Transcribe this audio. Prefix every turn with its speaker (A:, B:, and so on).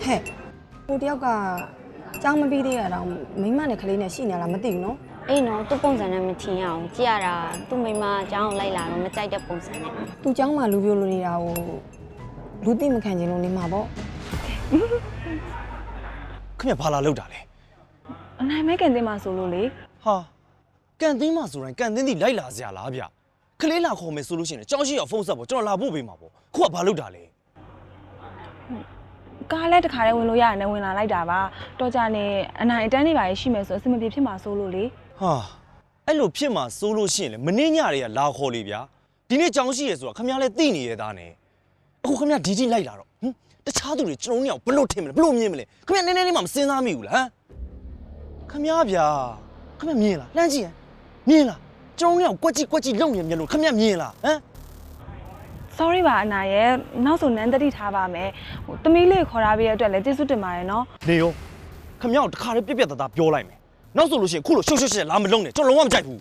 A: ဟဲ့ဟိုတယောက်ကကျောင်းမပြီးသေးရတော့မိမနဲ့ကလေးနဲ့ရှိနေလားမသိဘူးနော်
B: အေးနော်သူ့ပုံစံနဲ့မထင်ရအောင်ကြည့်ရတာသူ့မိမအကြောင်းကိုလိုက်လာတော့မကြိုက်တဲ့ပုံစံနဲ့
A: သူကျောင်းမှာလူပြိုလူနေတာကိုလူသိမခံချင်လို့နေမှာပေါ့
C: ခင်ဗျဘာလာလောက်တာလဲ
D: အနိုင်မဲကန်တင်မှာဆိုလို့လေ
C: ဟာကန်တင်းမှဆိုရင်ကန်တင်းတီလိုက်လာစရာလားဗျကလေးလာခေါ်မယ်ဆိုလို့ရှိရင်ကြောင်းရှိရဖုန်းဆက်ပေါ့ကျွန်တော်လာဖို့ပေးမှာပေါ့ခုကဘာလောက်တာလဲ
D: ကားလည်းတခါတည်းဝင်လို့ရရင်လည်းဝင်လာလိုက်တာပါတော့ကြနေအနိုင်အတန်းတွေပါရှိမယ်ဆိုအဆင်မပြေဖြစ်မှာဆိုလို့လေ
C: ဟာအဲ့လိုဖြစ်မှာစိုးလို့ရှိရင်လေမင်းညတွေကလာခေါ်လေဗျာဒီနေ့ကြောင်းရှိရဆိုတာခင်ဗျားလည်းသိနေရသားနဲ့အခုခင်ဗျားဒီတိလိုက်လာတော့ဟင်တခြားသူတွေကျွန်တော်တို့ကဘလို့ထင်မလဲဘလို့မြင်မလဲခင်ဗျားနည်းနည်းလေးမှမစင်စားမိဘူးလားဟမ်ခင်ဗျားဗျာခင်ဗျားမြင်လားလှမ်းကြည့်ရင်မြင်လားကျွန်တော်တို့ကကွက်ကြည့်လုံနေမြင်လို့ခင်ဗျားမြင်လားဟမ်
D: sorry ပါအနိုင်ရဲ့နောက်ဆိုနန်းတတိထားပါမယ်ဟိုတမီးလေးခေါ်ထားပေးရတဲ့အတွက်လည်းကျေးဇူးတင်ပါတယ်နော်
C: နေရောခင်ဗျားကိုတခါလေးပြက်သားသားပြောလိုက်မယ်နောက်ဆိုလို့ရှိရင်ခုလိုရှုပ်လာမလုံးနဲ့ကျွန်တော်လုံးဝမကြိုက်ဘူး